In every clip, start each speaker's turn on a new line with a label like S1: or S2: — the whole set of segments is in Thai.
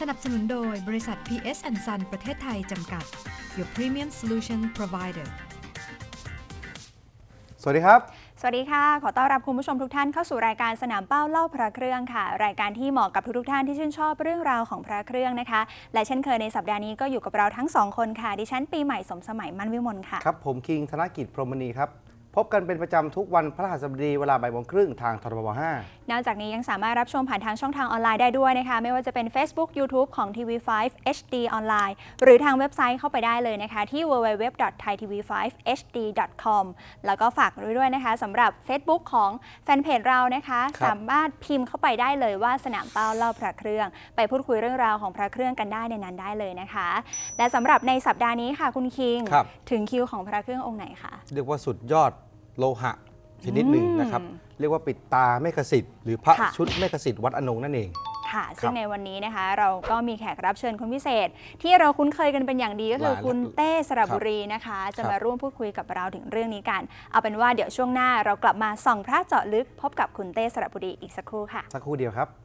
S1: นับสนุนโดยบริษัท PS Son ประเทศไทยจำกัด Your Premium Solution Provider
S2: สวัสดีครับ
S3: สวัสดีค่ะขอต้อนรับคุณผู้ชมทุกท่านเข้าสู่รายการสนามเป้าเล่าพระเครื่องค่ะรายการที่เหมาะกับทุกท่านที่ชื่นชอบเรื่องราวของพระเครื่องนะคะและเช่นเคยในสัปดาห์นี้ก็อยู่กับเราทั้ง2คนค่ะดิฉันปีใหม่สมสมัยมั่นวิมลค่ะ
S2: ครับผมคิงธนกิจพรหมณีครับพบกันเป็นประจำทุกวันพฤหัสบดีเวลาบ่ายโมงครึ่งทางทรบ5
S3: นอกจากนี้ยังสามารถรับชมผ่านทางช่องทางออนไลน์ได้ด้วยนะคะไม่ว่าจะเป็น Facebook YouTube ของ TV5 HD ออนไลน์หรือทางเว็บไซต์เข้าไปได้เลยนะคะที่ www.thaitv5hd.com แล้วก็ฝากด้วยนะคะสำหรับ Facebook ของแฟนเพจเรานะคะสามารถพิมพ์เข้าไปได้เลยว่าสนามเป้าเล่าพระเครื่องไปพูดคุยเรื่องราวของพระเครื่องกันได้ในนั้นได้เลยนะคะและสำหรับในสัปดาห์นี้ค่ะคุณคิงถึงคิวของพระเครื่ององค์ไหนคะ
S2: เรียกว่าสุดยอดโลหะชนิดหนึ่งนะครับเรียกว่าปิดตาเมฆสิทธิ์หรือพระชุดเมฆสิทธิ์วัดอนงนั่นเอง
S3: ค่ะซึ่งในวันนี้นะคะเราก็มีแขกรับเชิญคนพิเศษที่เราคุ้นเคยกันเป็นอย่างดีก็คือคุณเต้สระบุรีนะคะจะมาร่วมพูดคุยกับเราถึงเรื่องนี้กันเอาเป็นว่าเดี๋ยวช่วงหน้าเรากลับมาส่องพระเจาะลึกพบกับคุณเต้สระบุรีอีกสักครู่ค่ะ
S2: สักครู่เดียวครับ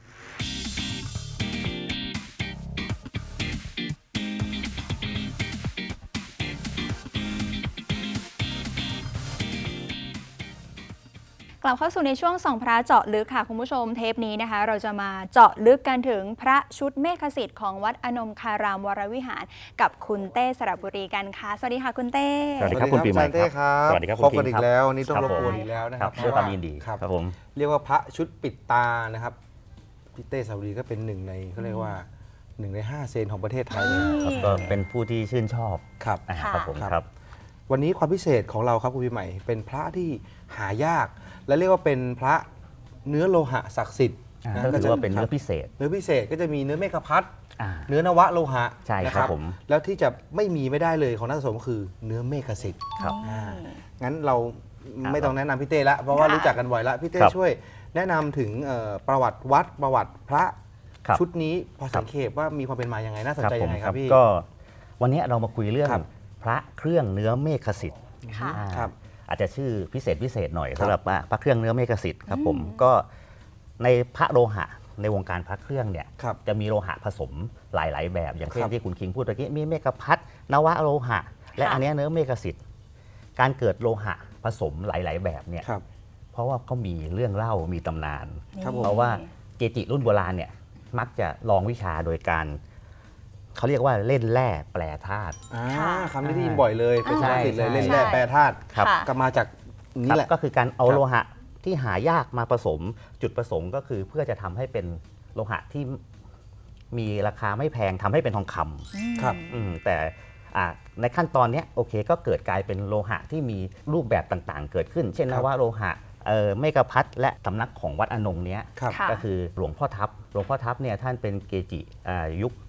S3: กลับเข้าสู่ในช่วงส่องพระเจาะลึกค่ะคุณผู้ชมเทปนี้นะคะเราจะมาเจาะลึกกันถึงพระชุดเมฆสิทธิ์ของวัดอนงคารามวรวิหารกับคุณเต้สระบุรีกันค่ะสวัสดีค่ะคุณเต้
S4: สวัสดีครับคุณปีใหม่ครับ
S2: สวัสดีครับพบกันอีกแล้วนี่ต้องรบกวนอีกแล้วนะครับ
S4: ด้วยความยินดีครับผม
S2: เรียกว่าพระชุดปิดตานะครับพี่เต้สระบุรีก็เป็นหนึ่งในเขาเรียกว่า1 ใน 5เซนของประเทศไทยเลย
S4: ก็เป็นผู้ที่ชื่นชอบ
S2: ครับ
S4: ครับผมครับ
S2: วันนี้ความพิเศษของเราครับคุณปีใหม่เป็นพระที่หายากและเรียกว่าเป็นพระเนื้อโลหะศักดิ์สิทธิ์
S4: ก็ถือว่าเป็นเนื้อพิเศษ
S2: ก็จะมีเนื้อเมฆพัทเนื้อนวะโลหะ
S4: ใช่ครับผม
S2: แล้วที่จะไม่ได้เลยของนักสะสมคือเนื้อเมฆสิทธิ์
S4: ครับ
S2: งั้นเราไม่ต้องแนะนำพี่เต้ละเพราะว่ารู้จักกันบ่อยละพี่เต้ช่วยแนะนำถึงประวัติวัดประวัติพระชุดนี้พอสังเขปว่ามีความเป็นมาอย่างไงน่าสนใจยังไงครับพี่
S4: ก็วันนี้เรามาคุยเรื่องพระเครื่องเนื้อเมฆสิทธิ์อาจจะชื่อพิเศษหน่อยสำหรับพระเครื่องเนื้อเมฆสิทธิ์ครับผมก็ในพระโลหะในวงการพระเครื่องเนี่ยจะมีโลหะผสมหลายๆแบบอย่างเช่นที่คุณคิงพูดเมื่อกี้มีเมฆพัทนวะโลหะและอันนี้เนื้อเมฆสิทธิ์การเกิดโลหะผสมหลายๆแบบเนี่ยเพราะว่าเขามีเรื่องเล่ามีตำนานเพราะว่าเกจิรุ่นโบราณเนี่ยมักจะลองวิชาโดยการเขาเรียกว่าเล่นแร่แปรธาตุ
S2: คำนี้ได้ยินบ่อยเลยเป็นภาษาอังกฤษเลยเล่นแร่แปรธาตุก็มาจากนี่แหละ
S4: ก็คือการเอาโลหะที่หายากมาผสมจุดประสงค์ก็คือเพื่อจะทำให้เป็นโลหะที่มีราคาไม่แพงทำให้เป็นทองคำ
S2: ครับ
S4: แต่ในขั้นตอนนี้โอเคก็เกิดกลายเป็นโลหะที่มีรูปแบบต่างๆเกิดขึ้นเช่นว่าโลหะเมฆพัทและสำนักของวัดอนงเนี้ยก็คือหลวงพ่อทับเนี่ยท่านเป็นเกจิยุค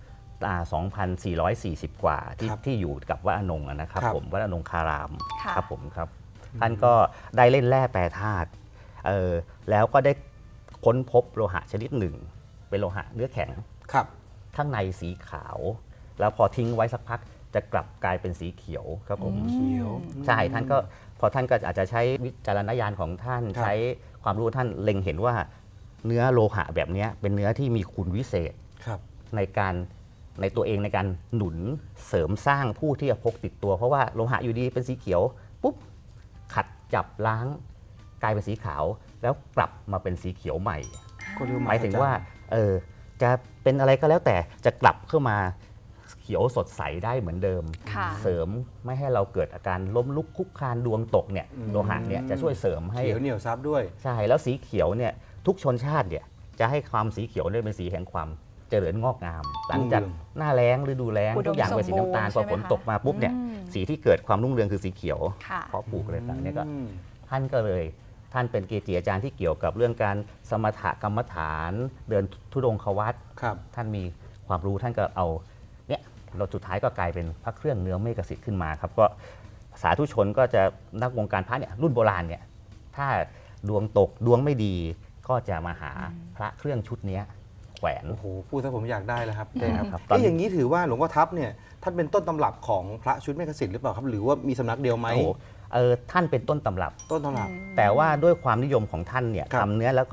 S4: 2,440 กว่าที่อยู่กับวัดอนงนะครับผมวัดอนงคารามครับผมครับท่านก็ได้เล่นแร่แปรธาตุแล้วก็ได้ค้นพบโลหะชนิดหนึ่งเป็นโลหะเนื้อแข็งข้างในสีขาวแล้วพอทิ้งไว้สักพักจะกลับกลายเป็นสีเขียวครับผมใช่ท่านก็อาจจะใช้วิจารณญาณของท่านใช้ความรู้ท่านเล็งเห็นว่าเนื้อโลหะแบบนี้เป็นเนื้อที่มีคุณวิเศษในตัวเองในการหนุนเสริมสร้างผู้ที่จะพกติดตัวเพราะว่าโลหะอยู่ดีเป็นสีเขียวปุ๊บขัดจับล้างกลายเป็นสีขาวแล้วกลับมาเป็นสีเขียวใหม่หมายถึงว่าจะเป็นอะไรก็แล้วแต่จะกลับเข้ามาเขียวสดใสได้เหมือนเดิมเสริมไม่ให้เราเกิดอาการล้มลุกคุกคลานดวงตกเนี่ยโลหะเนี่ยจะช่วยเสริมให้
S2: เขียวเหนียวซับด้วย
S4: ใช่แล้วสีเขียวเนี่ยทุกชนชาติเนี่ยจะให้ความสีเขียวเนี่ยเป็นสีแห่งความเจริญงอกงามหลังจากหน้าแล้งฤดูแล้งทุกอย่างเป็นสีน้ำตาลพอฝนตกมาปุ๊บเนี่ยสีที่เกิดความรุ่งเรืองคือสีเขียวเพราะปลูกอะไรต่างเนี่ยก็ท่านเป็นเกจิอาจารย์ที่เกี่ยวกับเรื่องการสมถกรรมฐานเดินธุดงควัตรท่านมีความรู้ท่านก็เอาเนี่ยเราสุดท้ายก็กลายเป็นพระเครื่องเนื้อเมฆสิทธิ์ขึ้นมาครับก็สาธุชนก็จะนักวงการพระเนี่ยรุ่นโบราณเนี่ยถ้าดวงตกดวงไม่ดีก็จะมาหาพระเครื่องชุดนี้แขวน
S2: โอ้โหพูดซะผมอยากได้แล้วครับอย่างนี้ถือว่าหลวงพ่อทับเนี่ยท่านเป็นต้นตำรับของพระชุดเมฆสิทธิ์หรือเปล่าครับหรือว่ามีสำนักเดียวไหม
S4: ท่านเป็นต้นตำรับ
S2: แต่
S4: ว่าด้วยความนิยมของท่านเนี่ยทำเนื้อแล้วก็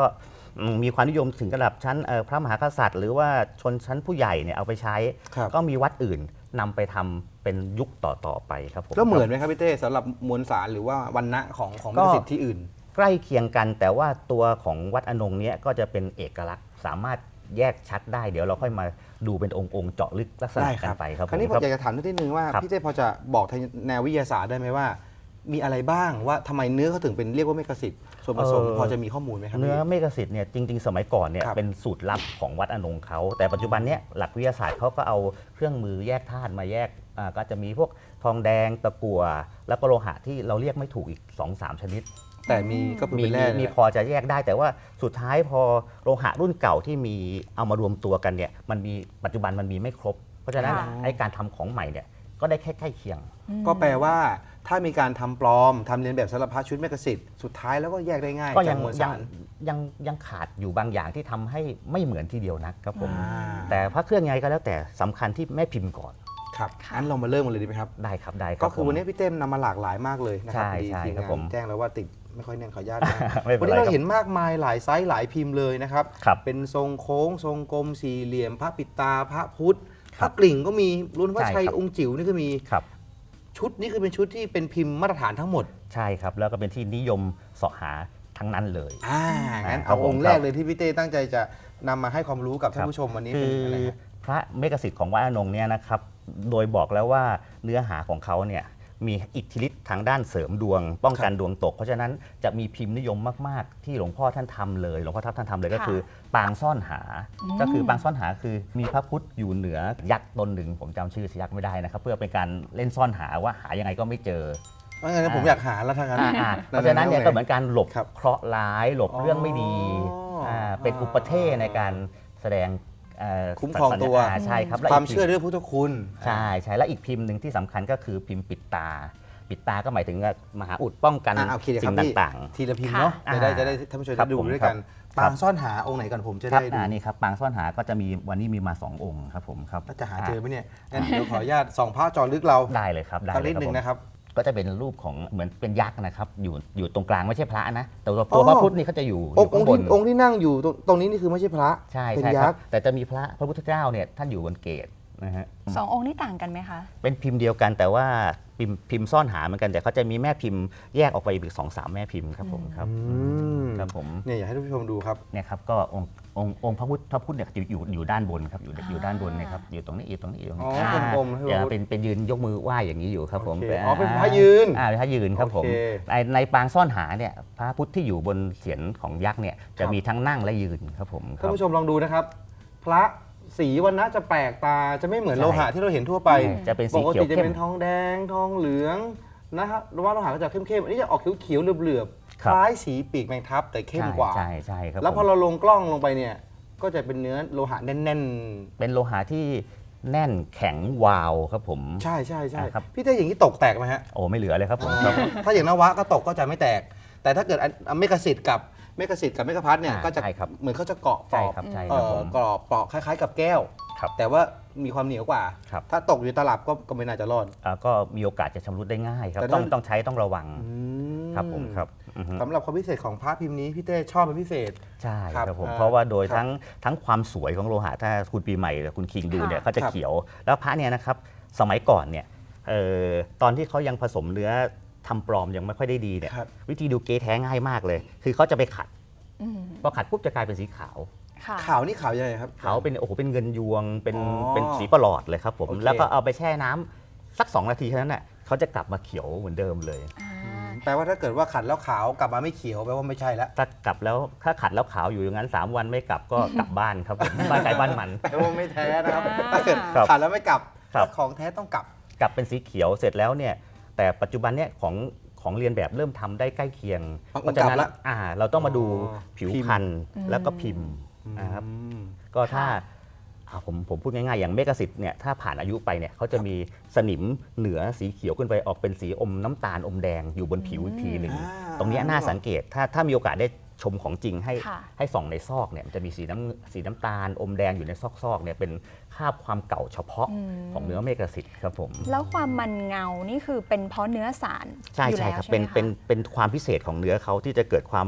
S4: มีความนิยมถึงระดับชั้นพระมหากษัตริย์ หรือว่าชนชั้นผู้ใหญ่เนี่ยเอาไปใช้
S2: ครับ
S4: ก็มีวัดอื่นนำไปทำเป็นยุคต่อๆไปครับผม
S2: แล้วเหมือนไหมครับพี่เต้สำหรับมวลสารหรือว่าวันณะของลิขสิทธิ์ที่อื่น
S4: ใกล้เคียงกันแต่ว่าตัวของวัดอนงเนี่ยก็จะเป็นเอกลักษณ์สามารถแยกชัดได้เดี๋ยวเราค่อยมาดูเป็นองค์ๆเจาะลึกลักษณะ
S2: ได้ค
S4: กั
S2: รั
S4: นไปครับ
S2: คราวนี้ผม
S4: ครับ
S2: อยากจะถามนิดนึงว่า
S4: ครับ
S2: พี่เต้พอจะบอกทางแนววิทยาศาสตร์ได้ไหมว่า มีอะไรบ้างว่าทำไมเนื้อเขาถึงเป็นเรียกว่าเมกะสิทธิ์ส่วนผสมพอจะมีข้อมูลไหมครับ
S4: เนื้อ
S2: พี่
S4: เมกะสิทธิ์เนี่ยจริง ๆ สมัยก่อนเนี่ย
S2: ครับ
S4: เป็นสูตรลับของวัดอนงเขาแต่ปัจจุบันเนี่ยหลักวิทยาศาสตร์เขาก็เอาเครื่องมือแยกธาตุมาแยกก็จะมีพวกทองแดงตะกั่วแล้วก็โลหะที่เราเรียกไม่ถูกอีก 2-3 ชนิด
S2: แต่มีก็คือ
S4: มี
S2: เป็นแร่
S4: มีพอจะแยกได้แต่ว่าสุดท้ายพอโลหะรุ่นเก่าที่มีเอามารวมตัวกันเนี่ยมันมีปัจจุบันมันมีไม่ครบ เพราะฉะนั้น
S3: ค่ะ
S4: ไอ้การทำของใหม่เนี่ยก็ได้แค่ใกล้เคียง
S2: ก็แปลว่าถ้ามีการทำปลอมทำเลียนแบบสารพัดชุดเมกะสิทธิ์สุดท้ายแล้วก็แยกได้ง่าย
S4: ก็
S2: จา
S4: ยั
S2: ก
S4: ง
S2: มวล
S4: ยั
S2: สาง ร
S4: ยังขาดอยู่บางอย่างที่ทำให้ไม่เหมือนทีเดียวนะครับผม
S2: อ่า
S4: แต่พระเครื่องไงก็แล้วแต่สำคัญที่แม่พิมพ์ก่อน
S2: ครับ
S3: ค่ะ
S2: งั้นเรามาเริ่มกันเลยดีไหมครับ
S4: ได้ครับได้ครับ
S2: ก็คือ
S4: ผม
S2: วันนี้พี่เต้มนำมาหลากหลายมากเลยนะครับ
S4: ใช่
S2: พอดี
S4: ใช่
S2: ทีม
S4: ครับ
S2: งา
S4: ผม
S2: นแจ้งแล้วว่าติดไม่ค่อยแน่นขออนุญาตนะ
S4: ไม่เป็
S2: วัน
S4: นไร
S2: นี้เรา
S4: ครับ
S2: เห็นมากมายหลายไซส์หลายพิมพ์เลยนะครับ
S4: ครับ
S2: เป็นทรงโค้งทรงกลมสี่เหลี่ยม พระปิดตาพระพุทธพ
S4: ครั
S2: ระ
S4: บ
S2: กลิ่งก็มีรุ่นพระ
S4: ใช่
S2: ชัย
S4: ครับ
S2: องค์จิ๋วนี่ก็มี
S4: ครับ
S2: ชุดนี้คือเป็นชุดที่เป็นพิมพ์มาตรฐานทั้งหมด
S4: ใช่ครับแล้วก็เป็นที่นิยมเสาะหาทั้งนั้นเลย
S2: งั้น
S4: ครั
S2: เอา
S4: บผม
S2: องค์แร
S4: ค
S2: ก
S4: รับ
S2: เลยที่พี่เต้ตั้งใจจะนำมาให้ความรู้กับท่านผู้ชมวันนี้
S4: คื
S2: เป็น
S4: อ
S2: อะไรฮะ
S4: พระเมกสิทธิ์ของวัดอนงเนี่ยนะครับโดยบอกแล้วว่าเนื้อหาของเขาเนี่ยมีอิทธิฤทธิ์ทางด้านเสริมดวง ป้องกันดวงตก เพราะฉะนั้นจะมีพิมพ์นิยมมาก ๆ ที่หลวงพ่อท่านทำเลยหลวงพ่อทัพท่านทำเลยก็
S3: ค่ะ
S4: คือปางซ่อนหา ก็คือปางซ่อนหาคือมีพระพุทธอยู่เหนือยักษ์ตนหนึ่งผมจำชื่อยักษ์ไม่ได้นะครับเพื่อเป็นการเล่นซ่อนหาว่าหายังไงก็ไม่เจอ
S2: เพราะฉะนั้นผมอยากหาแล้วทางนั้น
S4: เพราะฉะนั้นเนี่ยก็เหมือนการหลบ
S2: ครับ
S4: เคราะห์ร้ายหลบเรื่องไม่ดี เป็นอุปเทศในการแสดง
S2: คุ้มครองตัว
S4: ใช่ครับและ
S2: ความ
S4: กพิพ์
S2: เชื่อเรื่องพุทธคุณ
S4: ใช่ใช่และอีกพิมพ์หนึ่งที่สำคัญก็คือพิมพ์ปิดตา ปิดตาก็หมายถึงว่ามหาอุดป้องกัน
S2: โอเคเดี๋ยวค
S4: สิ่
S2: รับ
S4: ง
S2: พี่
S4: ต่าง
S2: ทีละพิมพ์เนาะ
S4: ค่ะ
S2: จะได้ท่านผู้ชม
S4: ครั
S2: ได้
S4: บ
S2: ดู
S4: ผม
S2: ด้วยกัน
S4: ครับ
S2: ปางซ่อนหาองค์ไหนก่อนผมจะ
S4: ๆครับ
S2: ได้ดู
S4: นี่ครับปางซ่อนหาก็จะมีวันนี้มีมา 2 องค์ครับผมครับ
S2: แล้วจะหาเจอไหมเนี่ยงั้นเดี๋ยวขออนุญาตส่องพระจอลึกเรา
S4: ได้เลยครับได้
S2: สัก
S4: เล
S2: นิ
S4: ย
S2: ด
S4: ครับ
S2: นึ
S4: ผ
S2: ง
S4: ม
S2: นะครับ
S4: ก็จะเป็นรูปของเหมือนเป็นยักษ์นะครับอยู่ตรงกลางไม่ใช่พระนะแต่ตัว
S2: อ๋อ
S4: พระพุทธนี่เขาจะอยู่
S2: องค์
S4: ข้างบน
S2: องค์ที่นั่งอยู่ตรงนี้นี่คือไม่ใช่พระ
S4: ใช่
S2: เป็น
S4: ใช่ค
S2: ยั
S4: รั
S2: ก
S4: บ
S2: ษ์
S4: แต่จะมีพระพุทธเจ้าเนี่ยท่านอยู่บนเกศนะฮะ
S3: สององค์นี่ต่างกันไหมคะ
S4: เป็นพิมพ์เดียวกันแต่ว่าพิมพ์ซ่อนหาเหมือนกันแต่เขาจะมีแม่พิมพ์แยกออกไปอีก2-3 แม่พิมพ์ครับผมครับ
S2: ม
S4: ครับผม
S2: เนี่ยอยากให้ท่านผู้ชมดูครับ
S4: เนี่ยครับก็องค์พระพุทธเนี่ยอยู่ด้านบนครับอยู่ด้านบนนะครับอยู่ตรงนี้อยู่ตรงนี้อยู่ตรง
S2: อ๋
S4: นี้
S2: อ
S3: ค่ะ
S2: กลมๆให้
S4: อย่า
S2: พระพุทธ
S4: เป็นยืนยกมือไหว้อย่างนี้อยู่ครับผม
S2: โอเคอ๋อเป็นพระยืน
S4: เป็นพระยืนครับผม
S2: โอเค
S4: ในปางซ่อนหาเนี่ยพระพุทธที่อยู่บนเศียรของยักษ์เนี่ยจะ
S2: ครับ
S4: มีทั้งนั่งและยืนครับผมค
S2: ท่าน
S4: รับ
S2: ผู้ชมลองดูนะครับ พระสีวันนะจะแปลกตาจะไม่เหมือน
S4: ใช่
S2: โลหะที่เราเห็นทั่วไป
S4: จะเป็น
S2: ป
S4: สี
S2: ก
S4: เขียว
S2: ติจะ
S4: เข้
S2: เป็
S4: ม
S2: นทองแดงทองเหลืองนะครับหรือว่าโลหะก็จะเข้มๆอันนี้จะออกเขียวๆเหลือบๆ
S4: ค
S2: ครับ ล้ายสีปีกแมงทับแต่เข้มกว่า
S4: ใช่ใช่ครับ
S2: แล้วพอ
S4: ผม
S2: เราลงกล้องลงไปเนี่ยก็จะเป็นเนื้อโลหะแน่น
S4: เป็นโลหะที่แน่นแข็งวาวครับผม
S2: ๆ ใช่ใช่ใช่
S4: ครับ
S2: พี่เต้อย่างนี้ตกแตกไหมฮะ
S4: โอ้ไม่เหลือเลยครับผมครับ
S2: ถ้าอย่างนวะก็ตกก็จะไม่แตก แต่ถ้าเกิดเมกะสิทธิ์กับเมกะพัทเนี่ยก็จะ
S4: ใช่ครับ
S2: เหมือนเขาจะเกาะป
S4: ใช่
S2: ลอก
S4: ครับใช่ครับผม
S2: กรอบปลอกคล้ายๆ กับแก้ว
S4: ครับ
S2: แต่ว่ามีความเหนียวกว่า
S4: ครับ
S2: ถ้าตกอยู่ตลับก็ไม่น่าจะรอด
S4: ก็มีโอกาสจะชำรุดได้ง่ายครับ
S2: แต่
S4: ต้อง
S2: ถ้า
S4: ต้องใช้ต้องระวังครับผมครับอือฮึ
S2: สำหรับความพิเศษของพระพิมพ์นี้พี่เต้ชอบเป็นพิเศษ
S4: ใช่
S2: ครับ
S4: ครับผม
S2: อ่า
S4: เพราะว่าโดย
S2: ครับ
S4: ทั้งความสวยของโลหะถ้าคุณปีใหม่หรือคุณคิงดูเนี่ย
S3: ค่ะ
S4: เขาจะ
S2: ครับ
S4: เขียว แล้วพระเนี่ยนะครับสมัยก่อนเนี่ยตอนที่เขายังผสมเนื้อทำปลอมยังไม่ค่อยได้ดีเนี่ย
S2: ครับ
S4: วิธีดูเก๊แท้ง่ายมากเลย คือเขาจะไปขัด
S3: อืม
S4: พอขัดปุ๊บจะกลายเป็นสีขาว
S3: ค่ะ
S2: ขาวนี่ขาวยังไงครับ
S4: ขาวเป็นโอ้โหเป็นเงินยวงเป็น
S2: อ๋อ
S4: เป็นสีประหลอดเลยครับผม
S2: โอเค
S4: แล้วก็เอาไปแช่น้ำสัก 2 นาทีเท่านั้นน่ะเขาจะกลับมาเขียวเหมือนเดิมเลย
S2: แปลว่าถ้าเกิดว่าขัดแล้วขาวกลับมาไม่เขียวแปลว่าไม่ใช่แล้ว
S4: ถ้าขัดแล้วขาวอยู่อย่างนั้น 3 วันไม่กลับก็กลับบ้านครับผม บ้านใครบ้านมัน
S2: แปลว่าไม่แท้นะครับ
S3: อ่า
S2: ถ้าเกิด
S4: ครับ
S2: ขัดแล้วไม่กลับ
S4: ครับ
S2: ถ้าของแท้ต้องกลับ
S4: กลับเป็นสีเขียวเสร็จแล้วเนี่ยแต่ปัจจุบันเนี่ยของเรียนแบบเริ่มทำได้ใกล้เคียง
S2: เอา
S4: เพราะฉะนั้น
S2: กลับละ
S4: เราต้องมาดู
S2: อ๋อ
S4: ผิว
S2: พิมพ์
S4: พรรณแล้วก็พิมพ์นะครับก็ถ้าผมพูดง่ายๆอย่างเมกะสิทธิ์เนี่ยถ้าผ่านอายุไปเนี่ยเขาจะมีสนิมเหนือสีเขียวขึ้นไปออกเป็นสีอมน้ำตาลอมแดงอยู่บนผิวอีกทีหนึ่ง ตรงเนี้ยน่าสังเกตถ้ามีโอกาสได้ชมของจริงให้
S3: ค่ะ
S4: ให้ส่องในซอกเนี่ยมันจะมีสีน้ำตาลอมแดงอยู่ในซอกเนี่ยเป็นคราบความเก่าเฉพาะของเนื้อเมกะสิทธิ์ครับผม
S3: แล้วความมันเงานี่คือเป็นเพราะเนื้อสาร
S4: ใช่
S3: อยู่
S4: ใช่
S3: แล้ว
S4: ครับ
S3: ใช่ไหมคะ
S4: เป็นความพิเศษของเนื้อเขาที่จะเกิดความ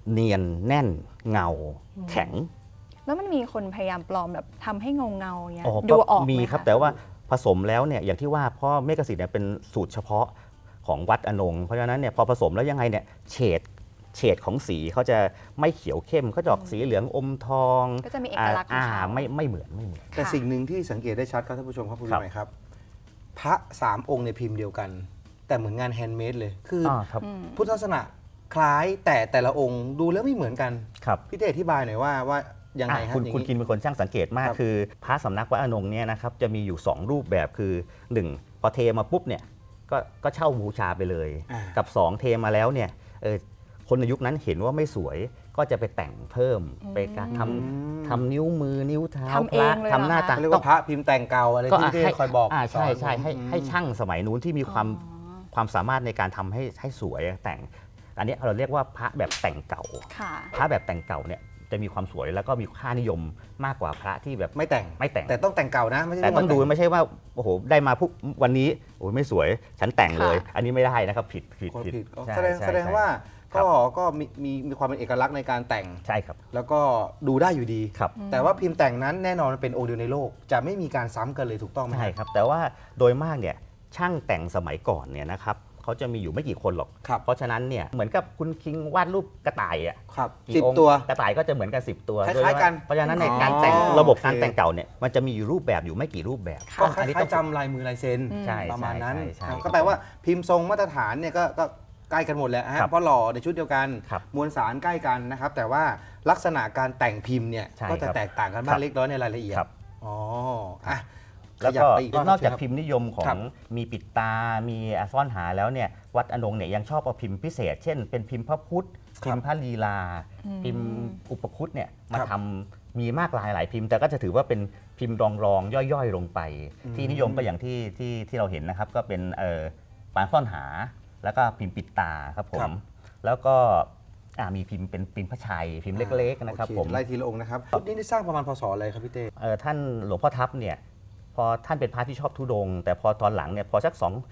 S4: เนียนแน่นเงาแข็ง
S3: แล้วมันมีคนพยายามปลอมแบบทำให้เงาเงาๆเงี้ย
S4: อ๋อ
S3: ดู
S4: ก็
S3: ออกไห
S4: มีครับ
S3: ะ
S4: แต่ว่าผสมแล้วเนี่ยอย่างที่ว่าเพราะเมกะสิทธิ์เนี่ยเป็นสูตรเฉพาะของวัดอนงเพราะฉะนั้นเนี่ยพอผสมแล้วยังไงเนี่ยเฉดของสีเขาจะไม่เขียวเข้มเขาจะออกสีเหลืองอมทอง
S3: ก็จะมีเอกลักษณ์ของเขา
S4: ไม่เหมือน
S2: แต่
S3: ค่ะ
S2: สิ่งหนึ่งที่สังเกตได้ชัดครับท่านผู้ชมครับคุณ
S4: ครับ
S2: ใหม่ครับ พระ3 องค์ในพิมพ์เดียวกัน แต่เหมือนงานแฮนด์เมดเลย คืออ
S4: ครับ
S2: พุทธลักษณะคล้ายแต่ละองค์ดูแล้วไม่เหมือนกัน
S4: ครับ
S2: พี่เต้อธิบายหน่อยว่ายังไง
S4: อ่ะ
S2: ฮะ
S4: คุณ
S2: อย่าง
S4: คุณกินเป็นคนช่างสังเกตมาก
S2: ครับ
S4: คือพระสำนักวัดอนงเนี่ยนะครับจะมีอยู่ 2 รูปแบบคือ 1 พอเทมาปุ๊บเนี่ยก็เช่าบูชาไปเลย
S2: อ่า
S4: กับ 2 เทมาแล้วเนี่ยคนในยุคนั้นเห็นว่าไม่สวยก็จะไปแต่งเพิ่มไปการทำนิ้วมือนิ้วเท้า
S3: ทำเอง
S4: พระ
S3: เลยเหรอ
S4: ทำหน้าตา
S2: เขาเรียกว่าพระพิมพ์แต่งเก่าอะไรที่พี่เต้คอยบอก
S4: ใช่ใช่
S2: สอน
S4: ให้ช่างสมัยนู้นที่มีความสามารถในการทำให้สวยแต่งอันนี้เราเรียกว่าพระแบบแต่งเก่า
S3: ค่ะ
S4: พระแบบแต่งเก่าเนี่ยจะมีความสวยแล้วก็มีค่านิยมมากกว่าพระที่แบบ
S2: ไม่แต่ง แต่ต้องแต่งเก่านะไม่ใช่
S4: แต่ต้องดู
S2: ว่า
S4: ไม่ใช่ว่าโอ้โหได้มาปุ๊บวันนี้โอ้ยไม่สวยฉันแต่งเลย
S3: ค่ะ
S4: อันนี้ไม่ได้นะครับผิด
S2: คนผิดก็
S4: ใช่
S2: แสดง
S4: ใช่
S2: ว่า
S4: ครับ
S2: ก็มีความเป็นเอกลักษณ์ในการแต่ง
S4: ใช่ครับ
S2: แล้วก็ดูได้อยู่ดี
S4: ครับ
S2: แต่ว่าพิมพ์แต่งนั้นแน่นอนมันเป็นองค์เดียวในโลก จะไม่มีการซ้ำกันเลยถูกต้องไหม
S4: ใช่ครับ แต่ว่าโดยมากเนี่ยช่างแต่งสมัยก่อนเนี่ยนะครับเขาจะมีอยู่ไม่กี่คนหรอก
S2: ครับ
S4: เพราะฉะนั้นเนี่ยเหมือนกับคุณคิงวาดรูปกระต่ายอ่ะ
S2: ครับ
S4: กี่องค์
S2: 10 ตัว
S4: กระต่ายก็จะเหมือนกัน10 ตัว
S2: คล้ายๆกัน
S4: เพราะฉะนั้นใน
S2: อ๋อ
S4: การแต่ง
S2: โอเค
S4: ระบบการแต่งเก่าเนี่ยมันจะมีอยู่รูปแบบอยู่ไม่กี่รูปแบบ
S2: ก็ค
S4: อันนี้
S2: ล้า
S4: ต้
S2: ย
S4: อง
S2: ๆจำลายมือลายเซ็น
S4: ใช่
S2: ประมาณนั้น
S4: ใช่
S2: ก็แปลว่าพิมพ์ทรงมาตรฐานเนี่ยก็ใกล้กันหมดแหละฮะ
S4: ครับ
S2: เพราะหล่อในชุดเดียวกัน
S4: ครับ
S2: มวลสารใกล้กันนะครับ แต่ว่าลักษณะการแต่งพิมพ์เนี่ย
S4: ใช่
S2: ก็จะ
S4: ครับ
S2: แตกต่างกันบ้า
S4: ครั
S2: ง
S4: บ
S2: เล็กน้อยในรายละเอียด
S4: ครับ
S2: อ๋ออ่ะ
S4: แล้ว
S2: ขยับ
S4: ก็
S2: ไปอีกรอบ
S4: นอกจาก
S2: ครับ
S4: พิมพ์นิยมขอ
S2: ครั
S4: ง
S2: บ
S4: มีปิดตา มีซ่อนหาแล้วเนี่ยวัดอนงเนี่ยยังชอบเอาพิมพ์พิเศษ เช่น เป็นพิมพ์พระพุทธ พิมพ์พระลีลา พิมพ์อุปคุตเนี่ยมา
S2: ครับ
S4: ทำมีมากหลายพิมพ์ แต่ก็จะถือว่าเป็นพิมพ์รองย่อยๆลงไป ที่นิยมก็อย่างที่เราเห็นนะครับ ก็เป็นปานซ่อนหา แล้วก็พิมพ์ปิดตาครับผ
S2: ครั
S4: ม
S2: บ
S4: แล้วก็มีพิมพ์เป็นพิมพ์พระชัย พิมพ์เล็กๆนะครับ
S2: โอเ
S4: ผม
S2: ไล่ทีละองค์นะครับชุดนี้ได้สร้างประมาณพศอะไรครับพี่เต้
S4: ท่านหลวงพ่อทับเนี่ยพอท่านเป็นพระที่ชอบธุดงค์แต่พอตอนหลังเนี่ยพอสัก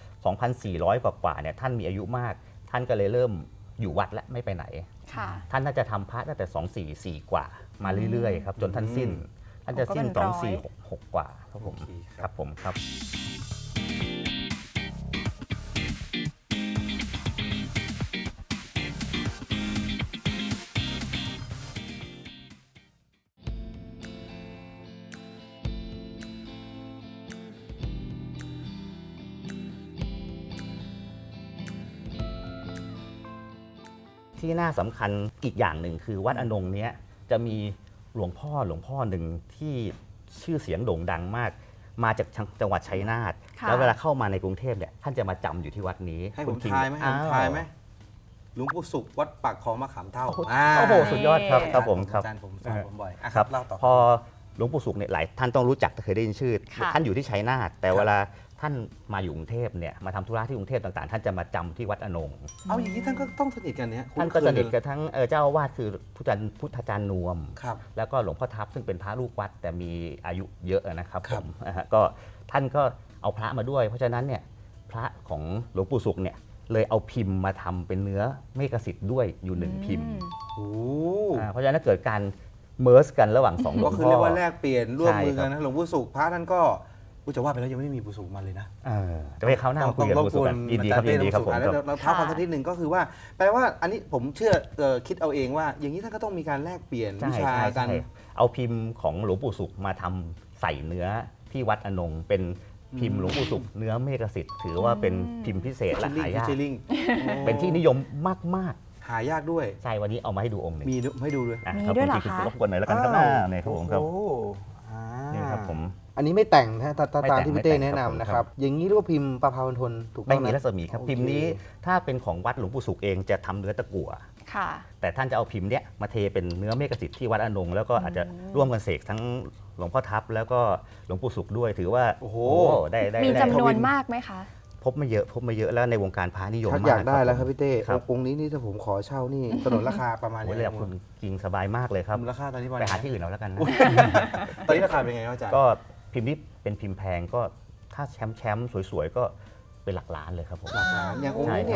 S4: 2,400 กว่าเนี่ยท่านมีอายุมาก ท่านก็เลยเริ่มอยู่วัดและไม่ไปไหน
S3: ค่ะ
S4: ท่านน่าจะทำพระตั้งแต่244 กว่ามาเรื่อยๆครับจนท่านสิ้น ท่านจะสิ้น
S3: ก็เป็นร้อย
S4: 2466 กว่าครับผม
S2: โอเคครับ
S4: ครับผมครับ ที่น่าสำคัญอีกอย่างหนึ่งคือวัดอนงเนี้ยจะมีหลวงพ่อหนึ่งที่ชื่อเสียงโด่งดังมาก มาจากจังหวัดชัยนาท
S3: ค่ะ
S4: แล้วเวลาเข้ามาในกรุงเทพเนี่ยท่านจะมาจำอยู่ที่วัดนี้
S2: ให้ผ
S4: คุ
S2: ม
S4: ณคิง
S2: ทายไหมให้ผม
S4: อ้ว
S2: ทายไหมหลวงปู่สุขวัดปากคลองมะขามเท่า
S4: โอ้โหสุดยอดครับครับผมครับ
S2: อาจารย์ผมสอนผมบ่อยอ่ะ
S4: ครับ
S2: เล่าต่อ
S4: พอหลวงปู่สุขเนี่ยหลายท่านต้องรู้จักเคยได้ยินชื่อ
S3: ค่ะ
S4: ท่านอยู่ที่ชัยนาทแต่
S2: ครับ
S4: เวลาท่านมาอยู่กรุงเทพเนี่ยมาทำธุระที่กรุงเทพต่างๆ ท่านจะมาจำที่วัดอนง
S2: เอาอย่างนี้ท่านก็ต้องสนิทกันเนี่ย
S4: ท่านก็สนิทกับทั้งเจ้าอาวาสคือพุทธาจารย์นวม
S2: ครับ
S4: แล้วก็หลวงพ่อทับซึ่งเป็นพระลูกวัดแต่มีอายุเยอะนะครับ
S2: ครั
S4: ผ
S2: บ
S4: มก็ท่านก็เอาพระมาด้วย เพราะฉะนั้นเนี่ยพระของหลวงปู่สุขเนี่ยเลยเอาพิมพ์มาทำเป็นเนื้อเมกสิทธิ์ด้วยอยู่หนึ่งพิมพ์
S2: โอ้
S4: เพราะฉะนั้นเกิดการเมิร์สกันระหว่างสองหลว
S2: ก็
S4: ง
S2: คือ
S4: พ่
S2: เรีย
S4: อก
S2: ว่าแลกเปลี่ยนร่วมมือ
S4: ใช่ครั
S2: กับ นนะหลวงปู่สุขพระท่านก็อุ๊ยจะว่าไปแล้วยังไม่ได้มีปู่สุขมาเลยนะ
S4: จะไปเข้าหน้ามาคุยกับหลวงปู่สุขกันยินดีครับยินดีครับผม
S2: แล้ว
S4: ครับ
S2: เราเท้าความสักนิดหนึ่งก็คือว่าแปลว่าอันนี้ผมเชื่อคิดเอาเองว่า อย่างนี้ท่านก็ต้องมีการแลกเปลี่ยนวิชากัน
S4: เอาพิมพ์ของหลวงปู่สุขมาทำใส่เนื้อที่วัดอนงเป็นพิมพ์หลวงปู่สุขเนื้อเมกสิทธิ์ถือว่าเป็นพิมพ์พิเศษและหายาก
S2: ฟิชเชอร์ลิง
S4: เป็นที่นิยมมาก
S2: หายากด้วย
S4: ๆใช่วันนี้เอามาให้ดูองค์หนึ่ง
S2: มีให้ดูด้วย
S4: อ่ะ
S3: มี
S4: ครับ
S3: ด้วยเหรอ
S4: ณ
S3: คะ
S4: รบกวนหน่อยแล้วกันครับเนี่ยครับผมครับ
S2: โอ้โหอ่า
S4: นี่ครับผม
S2: อันนี้ไม่แต่งนะตามที่
S4: ไม่
S2: พี่
S4: แต่
S2: เต้
S4: ง
S2: แนะ
S4: ครับผม
S2: นำนะครับ อย่างนี้เรียกว่าพิมพ์ประภาวันทนถูกต้
S4: ไม่
S2: อง
S4: มี
S2: นะ
S4: รัศมีครับ
S2: โอเค
S4: พิมพ์นี้ถ้าเป็นของวัดหลวงปู่สุขเองจะทำเนื้อตะกั่ว
S3: ค่ะ
S4: แต่ท่านจะเอาพิมพ์เนี้ยมาเทเป็นเนื้อเมกสิทธิ์ที่วัดอนงแล้วก็อาจจะร่วมกันเสกทั้งหลวงพ่อทับแล้วก็หลวงปู่สุขด้วยถือว่า
S2: โอ้โห
S4: ได้
S3: มี
S4: ได้
S3: จำนวนมากไหมคะ
S4: พบไม่เยอะแล้วในวงการพระนิยม
S2: ชัก
S4: มาก
S2: อยากได้แล้วครับพี่เต้
S4: ครับ
S2: องค์นี้นี่ถ้าผมขอเช่านี่สนนราคาประมาณ
S4: โอ้ย
S2: นี้
S4: เลยคุณกิงสบายมากเลยครับ
S2: มูลค่าตอนนี้ประมาณ
S4: ไปหาที่อื่นเอาแล้วกันนะ
S2: ตอนนี้ราคาเป็นไงครับอาจารย์
S4: ก็พิมพ์นี้เป็นพิมพ์แพงก็ถ้าแชมป์สวยๆก็เป็นหลักล้านเลยครับผม
S2: หลักล้านอย่างองค์นี้เนี่ย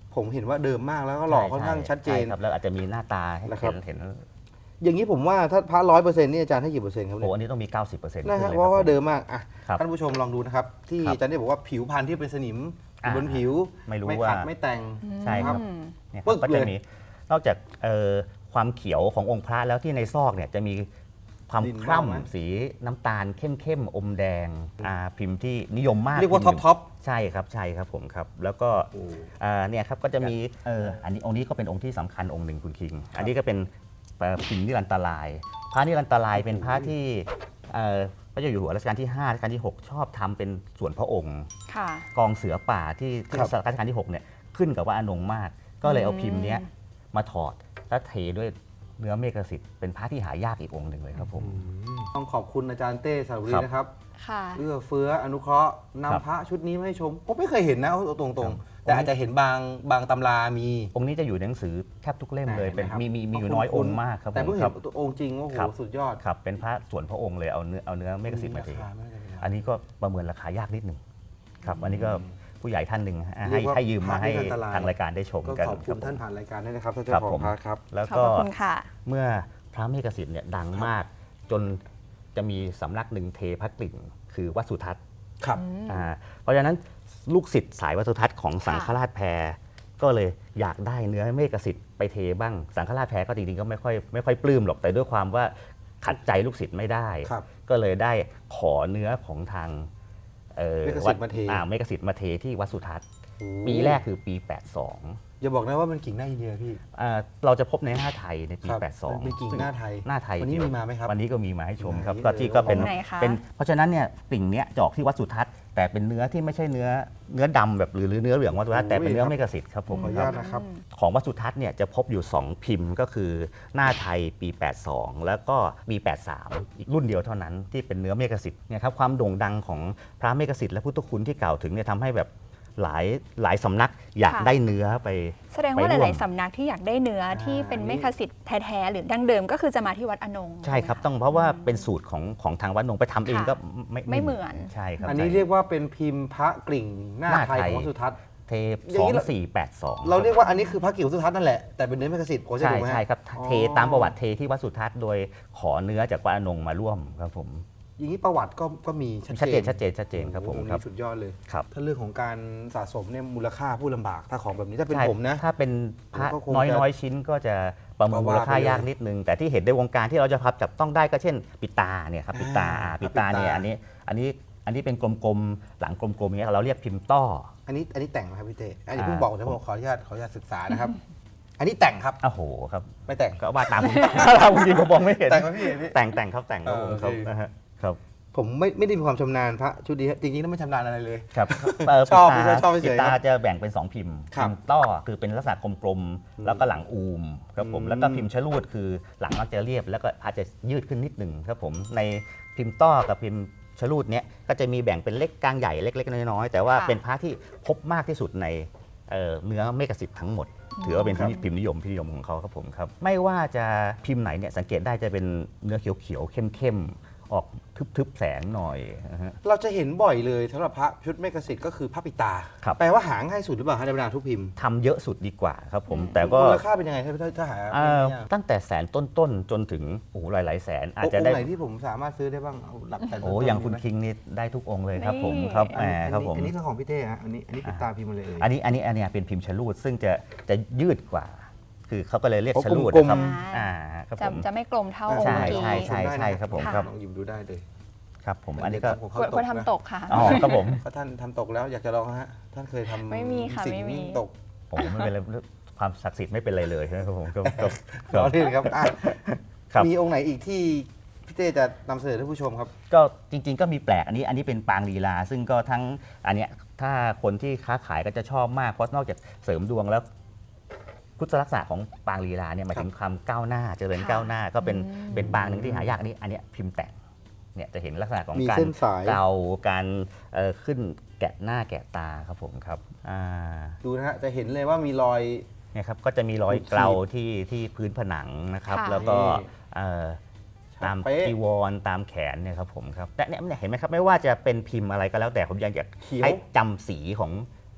S2: ผมเห็นว่าเดิมมากแล้วก็หล่อค่อนข้างชัดเจน
S4: ใช่ครับแล้วอาจจะมีหน้าตาให้
S2: นะครับ
S4: เห็น
S2: อย่างนี้ผมว่าถ้าพระ100%นี่อาจารย์ให้กี่เปอร์เซ็นต์ครับ
S4: โอ้
S2: เนี่ย
S4: อันนี้ต้องมี 90%
S2: นะ
S4: ขึ้น
S2: ฮะ
S4: เลย
S2: เพราะว่า
S4: คบ
S2: เดิมมากอ่ะ
S4: ครับ
S2: ท่านผู้ชมลองดูนะครับ ที่
S4: ครับ
S2: อาจารย์ได้บอกว่าผิวพรรณที่เป็นสนิมอยู่บนผิว
S4: ไม่รู้
S2: ไม่
S4: ว่า
S2: ขัดไม่แต่ง
S4: ใช่ครับ
S3: อืม
S4: เนี่ยค
S2: ปึ๊
S4: รับ
S2: ก
S4: ก็
S2: เล
S4: จะ
S2: ย
S4: มีนอกจากความเขียวขององค์พระแล้วที่ในซอกเนี่ยจะมีความ
S2: ดิน
S4: ค
S2: บ้างไหม
S4: ล้ำสีน้ำตาลเข้มๆอมแดงพิมพ์ที่นิยมมาก
S2: เรียกว่า
S4: พิมพ์หนึ่ง
S2: ท็อป
S4: ใช่ครับผมครับแล้วก็เนี่ยครับก็จะมีอันนี้องค์นี้ก็เป็นองค์ที่สำคัญองค์หนึ่งคุณคิง อันนี้ก็เป็นพิมพ์นิรันตรายพระนิรันตรายเป็นพระที่พระเจ้าอยู่หัวรัชกาลที่5รัชกาลที่ 6 ชอบทำเป็นส่วนพระองค์
S3: ค่ะ
S4: กองเสือป่าที่
S2: ครับ
S4: รัชกาลที่ 6เนี่ยขึ้นกับว่าอนงมาก ก็เลยเอาพิมพ์เนี้ยมาถอดแล้วเทด้วยเนื้อเมฆสิทธิ์เป็นพระที่หายากอีกองค์หนึ่งเลยครับผม
S2: ต้องขอบคุณอาจารย์เต้สาวรี
S4: ครับ
S2: นะครับ
S3: ค่ะ
S2: เอื้อเฟื้ออนุเคราะห์
S4: ครับ
S2: นำพระชุดนี้มาให้ชมผมไม่เคยเห็นนะเอาตรงๆ แต่
S4: ผม
S2: อาจจะเห็นบางตำรามี
S4: องค์นี้จะอยู่ในหนังสือแทบทุกเล่มเลย
S2: ไหน
S4: เป็น
S2: นะครับ
S4: มีอยู่น้อยองค์มากครับ
S2: แต่
S4: ผม
S2: เพิ่ง
S4: ค
S2: เห็
S4: รั
S2: น
S4: บ
S2: ตัวองค์จริงโอ้โห
S4: ครับ
S2: สุดยอด
S4: ครับเป็นพระส่วนพระองค์เลยเอาเนื้อเมฆสิทธิ์มาเท
S2: ราคาไม่ได้เป็นไร
S4: อันนี้ก็ประเมินราคายากนิดหนึ่งครับอันนี้ก็ผู้ใหญ่ท่านหนึ่ง
S2: เรียกว่า
S4: ให้ยืมมาให้
S2: พระนิรันตราย
S4: ทางรายการได้ชม
S2: ก็
S4: กัน
S2: ขอบคุณ
S4: รับ
S2: ท่าน
S4: ผม
S2: ผ่านรายการด้วยนะครับท่าน
S4: ครั
S2: เจ้า
S4: บ
S2: ขอ
S4: ผ
S2: ง
S4: ม
S2: พระครับ
S4: แล้ว
S3: ขอบ
S4: ก็
S3: พระคุณค่ะ
S4: เมื่อพระเมฆสิทธิ์เนี่ยดังมากจนจะมีสำนักหนึ่งเทพระกลิ่งคือวัดสุทัศน์
S2: ครับ
S4: เพราะฉะนั้นลูกศิษย์สายวัดสุทัศน์ของสังฆราชแพรก็เลยอยากได้เนื้อเมฆสิทธิ์ไปเทบ้างสังฆราชแพรก็จริงๆก็ไม่ค่อยปลื้มหรอกแต่ด้วยความว่าขัดใจลูกศิษย์ไม่ได้
S2: ครับ
S4: ก็เลยได้ขอเนื้อของทาง
S2: เมฆสิทธิ์มาเท
S4: เมฆสิทธิ์มาเทที่วัดสุทัศน์
S2: โอ้
S4: ปีแรกคือปี 82
S2: อย่าบอกนะว่ามันกิ่งหน้าอินเดียพี่
S4: เราจะพบในหน้าไทยในปี
S2: ครับ
S4: 82
S2: มันเป็นกิ่งหน้าไทย
S4: หน้าไทย
S2: วันนี้
S4: เดีย
S2: มีมาไหมครับ
S4: วันนี้ก็มีมาให้ชมครับ
S2: ไหน
S4: ก็ที่ก็เป็น
S3: ไหนคะ
S4: เพราะฉะนั้นเนี่ยปิ่งเนี้ยจะออกที่วัดสุทัศน์แต่เป็นเนื้อที่ไม่ใช่เนื้อดำแบบหรือเนื้อเหลืองวัดสุทัศน์แต่เป็นเนื้อเมฆสิทธิ์ครับผม
S2: ขออนุ
S4: ครั
S2: ญา
S4: บ
S2: ตนะครับ
S4: ของวัดสุทัศน์เนี่ยจะพบอยู่ 2 พิมพ์ก็คือหน้าไทยปี 82 แล้วก็ปี 83 อีกรุ่นเดียวเท่านั้นที่เป็นเนื้อเมฆสิทธิ์เนี่ยครับความโด่งดังของพระเมฆสิทธิ์และพุทธคุณที่กล่าวถึงเนี่ยทำให้แบบหลายสำนักอยาก
S3: ค่ะ
S4: ได้เนื้อไป
S3: แสดงว่า
S4: ไปร่วม
S3: หลาย ๆ สำนักที่อยากได้เนื้อที่เป็นเมฆสิทธิ์แท้ ๆ หรือดั้งเดิมก็คือจะมาที่วัดอนง
S4: ใช่ครับ
S3: ไหมะ
S4: ต้องเพราะว่าเป็นสูตรของทางวัดนงไปทำเอง
S3: ค่ะ
S4: ก็
S3: ไม่เหมือน
S4: ใช่ครับ
S2: อันนี้
S4: ใช่
S2: เรียกว่าเป็นพิมพ์พระกลิ่งหน้า
S4: หน้า
S2: ไทย
S4: ไทย
S2: ของวัดสุทัศน์
S4: เทป
S2: อย่างนี้เรา
S4: 2482
S2: เราเรียกว่าอันนี้คือพระกิ่งวัดสุทัศน์นั่นแหละแต่เป็นเนื้อเมฆสิทธิ์ผมจะ
S4: ใช่
S2: ถูกไหมฮะ
S4: ใช่ครับ
S2: อ๋อ
S4: เทตามประวัติเทที่วัดสุทัศน์โดยขอเนื้อจากวัดอนงมาร่วมครับผม
S2: อย่างนี้ประวัติก็มีชัด
S4: ชัด
S2: เจ
S4: เจ
S2: น
S4: นชัดเจนชัดเจนครับผม
S2: โอ้โห
S4: ครับ
S2: นี่สุดยอดเลย
S4: ครับ
S2: ถ้าเรื่องของการสะสมเนี่ยมูลค่าผู้ลำบากถ้าของแบบนี้ถ้าเป็น
S4: ใช่
S2: ผมนะ
S4: ถ้าเป็นพระ
S2: ผมก็คง
S4: น้อย
S2: จะ
S4: น้อยชิ้นก็จะประเมิน
S2: ก็
S4: มู
S2: ว่า
S4: ลค่า
S2: ไปเลย
S4: ยากนิดนึง แต่ที่เห็นในวงการที่เราจะพับจับต้องได้ก็เช่นปิตาเนี่ยครับปิตา
S2: อ่า
S4: ปิตาเนี่ย
S2: ปิตา
S4: อันนี้เป็นกลมๆหลังกลมๆอย่างเงี้ยเราเรียกพิมพ์ต้อ
S2: อันนี้แต่งไหมครับพี่เต้อันนี้
S4: อ่า
S2: เพิ่งบอกนะผมขออนุญาตศึกษานะครับ อันนี้แต่งครับ
S4: โอ้โหครับ
S2: ไม่แต่ง
S4: ก็ว่าตาม เราจริงๆผมมองไม่เห็น
S2: แต่งไหมพี่พี่
S4: แต่งครับแต่งครับผม
S2: โอเค
S4: ครับนะฮะครับ
S2: ผมไม่ได้มีความชำนาญพระชุดนี้จริงๆแล้วไม่ชำนาญอะไรเลย
S4: ครับ
S2: ชอบ
S4: ปิดตา
S2: ชอบเฉยๆ
S4: ปิดตาจะแบ่งเป็น 2 พิมพ์
S2: ครับ
S4: พิมพ์ต้อคือเป็นลักษณะกลมๆแล้วก็หลังอูมครับผมแล้วก็พิมพ์ชะลูดคือหลังมักจะเรียบแล้วก็อาจจะยืดขึ้นนิดหนึ่งครับผมในพิมพ์ต้อกับพิมพ์ชะลูดเนี้ยก็จะมีแบ่งเป็นเล็กกลางใหญ่เล็กๆน้อยๆแต่ว่า
S3: ค่ะ
S4: เป็นพระที่พบมากที่สุดในเนื้อเมฆสิทธิ์ทั้งหมด ถือว่าเป็นพิมพ์นิยมของเขาครับผมครับไม่ว่าจะพิมพ์ไหนเนี่ยสังเกตได้จะเป็นเนื้อเขียวๆเข้มๆออกทึบๆแสงหน่อยนะฮะ
S2: เราจะเห็นบ่อยเลยสำหรับพระชุดเมฆสิทธิ์ก็คือพระปิตา
S4: ครับ
S2: แปลว่าหาง่ายสุดหรือเปล่าฮะในบรรดาทุกพิมพ์
S4: ทำเยอะสุดดีกว่าครับผมแต่ก็
S2: มูลค่าเป็นยังไงถ้าหา
S4: ตั้งแต่แสนต้นๆจนถึงโอ้โหหลายๆแสนอาจจะ
S2: อง
S4: ได้
S2: ค์ไหนที่ผมสามารถซื้อได้บ้างเอาหลักแต่
S4: โอ้อย่างคุณคิงนี่ได้ทุกองค์เลยครับผม
S3: นี่
S4: ครับ
S2: อันนี้
S4: ครับผม
S2: อันนี้คือของพี่เต้ฮะอันนี้ปิตาพิมพ์มาเลยเอ่ย
S4: อันนี้เป็นพิมพ์ชะลูดซึ่งจะยืดกว่า คือเขาก็เลยเรียก
S2: โอ้
S4: ชะลูด
S2: กลมๆ
S4: นะครับ
S3: อ่า
S4: ครับ
S3: จะ
S4: ผม
S3: จะไม่กลมเท่าองค์
S4: ใช่
S3: เมื่อกี้
S4: ใช่ครับผม
S3: ค่ะ
S4: ครับ
S2: ลองหยิบดูได้เลย
S4: ครับผมอันนี้ก็
S2: ของ
S3: ก
S2: เขา
S3: ลัว
S2: ต
S3: กลัว
S2: กนะ
S3: ทำตกค่ะ
S4: อ๋อครับผม
S2: ถ้าท่านทำตกแล้วอยากจะลองฮะท่านเคยทำ
S3: ไม่มีค่ะ
S2: สิ่ง
S3: ไม่มี
S2: ตก
S4: โอ้โหไม่เป็นไรความศักดิ์สิทธิ์ไม่เป็นไรเลยครับผมครับครับ
S2: รอเล่นครับอ่ะ
S4: ครับ
S2: มีองค์ไหนอีกที่พี่เต้จะนำเสนอท่านผู้ชมครับ
S4: ก็จริงๆก็มีแปลกอันนี้เป็นปางลีลา ซึ่งก็ทั้งอันเนี้ยถ้าคนที่ค้าขายก็จะชอบมากเพราะนอกจากเสริมดวงแล้วพุทธลักษณะของปางลีลาเนี่ยหมายถึงความก้าวหน้าเจริญ
S3: ค่ะ
S4: ก้าวหน้าก็เป็น
S3: อืม
S4: เป็นปางหนึ่งที่หายากอันเนี้ยพิมพ์แต่งเนี่ยจะเห็นลักษณะของ
S2: มี
S4: การ
S2: เส้นสาย
S4: เกาการขึ้นแกะหน้าแกะตาครับผมครับ
S2: ดูนะฮะจะเห็นเลยว่ามีรอย
S4: เนี่ยครับก็จะมีรอย
S2: ขูดขีด
S4: เกลาที่พื้นผนังนะครับ
S3: ค่ะ
S4: แล้วก็
S2: นี่
S4: ตาม
S2: เป๊ะ
S4: จีวรตามแขนเนี่ยครับผมครับแต่เนี่ยเห็นไหมครับไม่ว่าจะเป็นพิมพ์อะไรก็แล้วแต่ผมยังอยาก
S2: เขียว
S4: ให้จำสีของ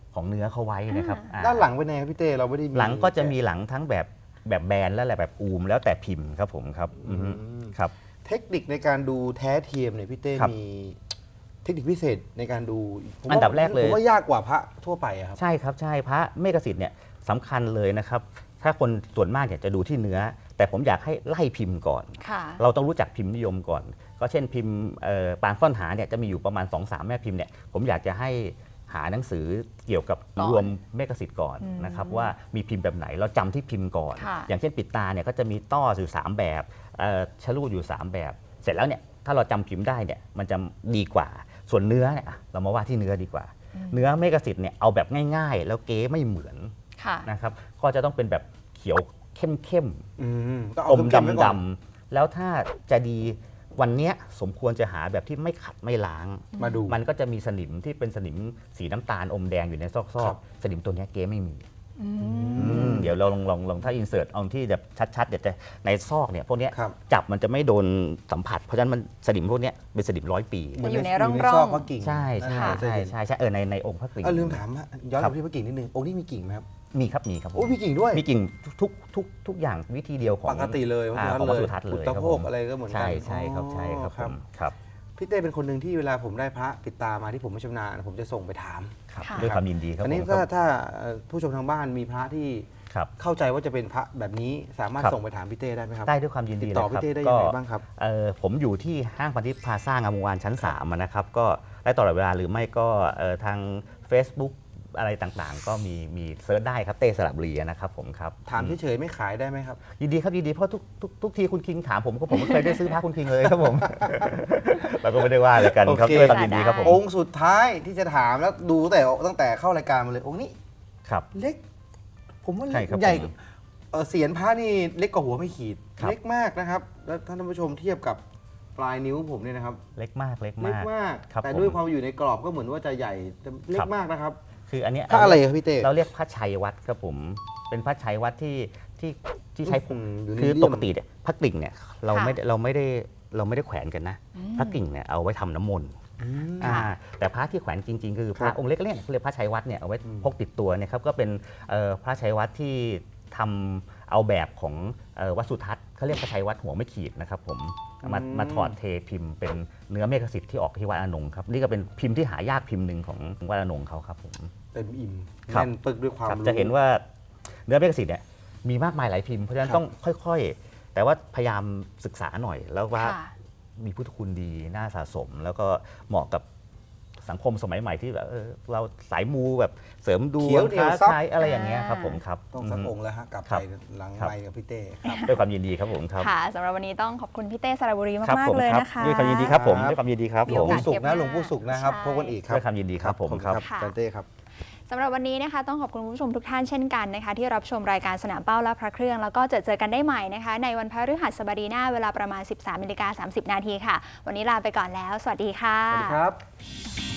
S4: ของเนื้อเขาไว้นะครับ
S2: ด้านหลังเป็นไงครับพี่เต้เราไม่ได้มี
S4: หลังก็จะมีหลังทั้งแบบแบนและแบบอูมแล้วแต่พิมพ์ครับผมครับครับ
S2: เทคนิคในการดูแท้เทียมเนี่ยพี่เต้
S4: ครับ
S2: มีเทคนิคพิเศษในการดูผมว่า
S4: อันดับแรกเลย
S2: ผมว่ายากกว่าพระทั่วไปอะครับ
S4: ใช่ครับใช่พระเมกสิทธิ์เนี่ยสำคัญเลยนะครับ ถ้าคนส่วนมากอยากจะดูที่เนื้อ แต่ผมอยากให้ไล่พิมพ์ก่อน
S3: ค่ะ
S4: เราต้องรู้จักพิมพ์นิยมก่อน ก็เช่นพิมพ์ปางซ่อนหาเนี่ยจะมีอยู่ประมาณ 2-3 แม่พิมพ์เนี่ยผมอยากจะให้หาหนังสือเกี่ยวกับ
S3: ก่อน
S4: รวมเมกสิทธิ์ก่อนนะครับว่ามีพิมพ์แบบไหนเราจำที่พิมพ์ก่อน
S3: ค่ะ
S4: อย่างเช่นปิดตาเนี่ยก็จะมีต้ออยู่ 3 แบบชะลูดอยู่ 3 แบบ เสร็จแล้วเนี่ยถ้าเราจำพิมพ์ได้เนี่ยมันจะดีกว่าส่วนเนื้อเนี่ยเรามาว่าที่เนื้อดีกว่า เนื้อเมกสิทธิ์เนี่ยเอาแบบง่ายๆ แล้วเก๊ไม่เหมือน
S3: ค่ะ
S4: นะครับก็จะต้องเป็นแบบเขียวเข้มๆ
S2: ต้อง
S4: อ
S2: เอา
S4: ม
S2: เข้มๆไว้ก่อน
S4: ดำๆแล้วถ้าจะดีวันเนี้ยสมควรจะหาแบบที่ไม่ขัดไม่ล้าง
S2: มาดู
S4: มันก็จะมีสนิมที่เป็นสนิมสีน้ำตาลอมแดงอยู่ในซ
S2: ค
S4: อ
S2: รั
S4: ก
S2: บ
S4: ๆสนิมตัวเนี้ยเก๊ไม่มีเดี๋ยวเราลองถ้าอินเสิร์ตเอาที่แบบชัดๆเดี๋ยวจะในซอกเนี่ยพวกเนี้ย
S2: ครับ
S4: จับมันจะไม่โดนสัมผัส เพราะฉะนั้นมันสนิมพวกเนี้ยเป็นสนิม100 ปี
S3: จะอยู่ในร่องๆ
S2: ซอกพระกิ่ง
S4: ใช่ใช่
S2: จะ
S4: ใช่
S2: เห็น
S4: ใช่ใช่ในองค์พระกริ่ง
S2: ลืมถามอะย้อน
S4: ครั
S2: ไป
S4: บ
S2: ที่พระกิ่งนิดนึงองค์นี้มีกิ่งไหมครับ
S4: มีครับผม
S2: โอ้มีกิ่งด้วย
S4: มีกิ่งทุกอย่างวิธีเดียวของ
S2: ปกติเลย
S4: ของวัดสุทัศน์เลย
S2: อุตตะ
S4: ครับ
S2: โภ
S4: ผ
S2: ค
S4: ม
S2: อะไรก็เหมือนกั
S4: ใช่ครับใช่ครับ
S2: ครับ
S4: ผมครับ
S2: พี่เต้เป็นคนหนึ่งที่เวลาผมได้พระปิดตามาที่ผมไม่ชำนาญผมจะส่งไปถาม
S4: ครับ
S3: ค่ะ
S4: ด้วยความยินดีครับ
S2: อันนี้
S4: ผม
S2: ถ้าผู้ชมทางบ้านมีพระที่
S4: ครับ
S2: เข้าใจว่าจะเป็นพระแบบนี้สามารถ
S4: ครับ
S2: ส่งไปถามพี่เต้ได้ไหมครับ
S4: ได้ด้วยความยิน
S2: ติ
S4: ดี
S2: ด
S4: เลย
S2: ต่อ
S4: ค
S2: พี่
S4: รับ
S2: เต้ได้ยังไงบ้างครับ
S4: ผมอยู่ที่ห้างพันธิพย์พลาซ่างามวงศ์วานชั้น3นะครับก็ได้ตลอดเวลาหรือไม่ก็ทาง Facebook อะไรต่างๆ ก็มีเซิร์ชได้ครับเต้สระบุรีนะครับผมครับ
S2: ถามเฉยๆไม่ขายได้ไหมครับ
S4: ยินดีครับยินดีเพราะทุกทีคุณคิงถามผมก็ผมไม่เคยได้ซื้อพระคุณคิงเลยครับผม เราก็ไม่ได้ว่าอะไรกันครับ
S2: โอเค
S4: ด้วยความยินดีครับผม
S2: องค์สุดท้ายที่จะถามแล้วดูตั้งแต่เข้ารายการมาเลยองค์นี้
S4: ครับ
S2: เล็ก ผมว่า
S4: ใช่ครับ
S2: ใหญ่
S4: ผม
S2: เสียนพระนี่เล็กกว่าหัวไม่ขีด
S4: ครับ
S2: เล็กมากนะครับ แล้วท่านผู้ชมเทียบกับปลายนิ้วผมเนี่ยนะครับ
S4: เล็กมากเล็ก
S2: เล็ก
S4: มาก
S2: มาก
S4: ครับ
S2: แต่
S4: ผม
S2: ด้วยความอยู่ในกรอบก็เหมือนว่าจะใหญ่แต่เล็
S4: ครั
S2: ก
S4: บ
S2: มากนะครับ
S4: คืออันเนี้ย
S2: พระอะไรครับพี่เต้
S4: เราเรียกพระชัยวัดครับผมเป็นพระชัยวัดที่ใช้
S2: อยู่ใน
S4: คือ
S2: เลี่ยม
S4: ปกติเนี่ยพระกลิ่งเนี่ยเราไม่ได้แขวนกันนะพระกลิ่งเนี่ยเอาไว้ทำน้ำมนต์แต่พระที่แขวนจริงๆ คือพระองค์เล็กๆเนี่ยเขาเรียกพระชัยวัดเนี่ยเอาไว้พกติดตัวเนี่ยครับก็เป็นพระชัยวัดที่ทำเอาแบบของวัดสุทัศน์เขาเรียกพระชัยวัดหัวไม่ขีดนะครับผมมาถอดเทพิมพ์เป็นเนื้อเมฆสิทธิ์ที่ออกที่วัดอานงครับนี่ก็เป็นพิมพ์ที่หายากพิมพ์หนึ่งของวัดอานงเขาครับผม
S2: เต็มอิ่ม
S4: ครับ
S2: แน่นปึกด้วยความ
S4: ครับ
S2: รู้
S4: จะเห็นว่าเนื้อเมฆสิทธิ์เนี่ยมีมากมายหลายพิมพ์เพราะฉะนั้น
S2: ครับ
S4: ต้องค่อยๆ แต่ว่าพยายามศึกษาหน่อยแล้วว่า
S3: ค่ะ
S4: มีพุทธคุณดีน่าสะสม แล้วก็เหมาะกับสังคมสมัยใหม่ที่แบบเราสายมูแบบเสริมดว
S2: เขียว
S4: ง
S2: เหนียว
S4: ค้า
S2: ซับ
S4: ขายอะไรอย่างเงี้ยครับผมครับ
S2: ต้องสักองค์แล้วฮะกลับ
S4: ครั
S2: ไป
S4: บ
S2: หลัง
S4: ครับ
S2: ไมค์กับพี่เต้ครับ
S4: ด้วยความยินดีครับผมครับ
S3: ค่ะสำหรับวันนี้ต้องขอบคุณพี่เต้สระบุรี
S4: ครับ
S3: มาก
S4: ผม
S3: ๆเลย
S4: ครับ
S3: นะคะ
S4: ด้วยความยินดีครับผม
S2: ครับ
S4: ด้วยความยินดีครับ
S3: มี
S4: ผ
S3: โอ
S4: ม
S3: กาส
S2: สุกร์นะ
S3: เทปหน้า
S2: หลวงปู่สุกร์นะครับ
S3: ใช่
S2: พบกันอีกครั
S4: ด้
S2: บ
S4: วยความยินดีครับผมครับ
S2: ขอณอาจารย์เต้ครับ
S3: สำหรับวันนี้นะคะต้องขอบคุณคุณผู้ชมทุกท่านเช่นกันนะคะที่รับชมรายการสนามเป้าและพระเครื่องแล้วก็เจอกันได้ใหม่นะคะในวันพฤหัสบดีหน้าเวลาประมาณ 13:30 น.ค่ะวันนี้ลาไปก่อนแล้วสวัสดีค่ะ
S2: สวัสดีครับ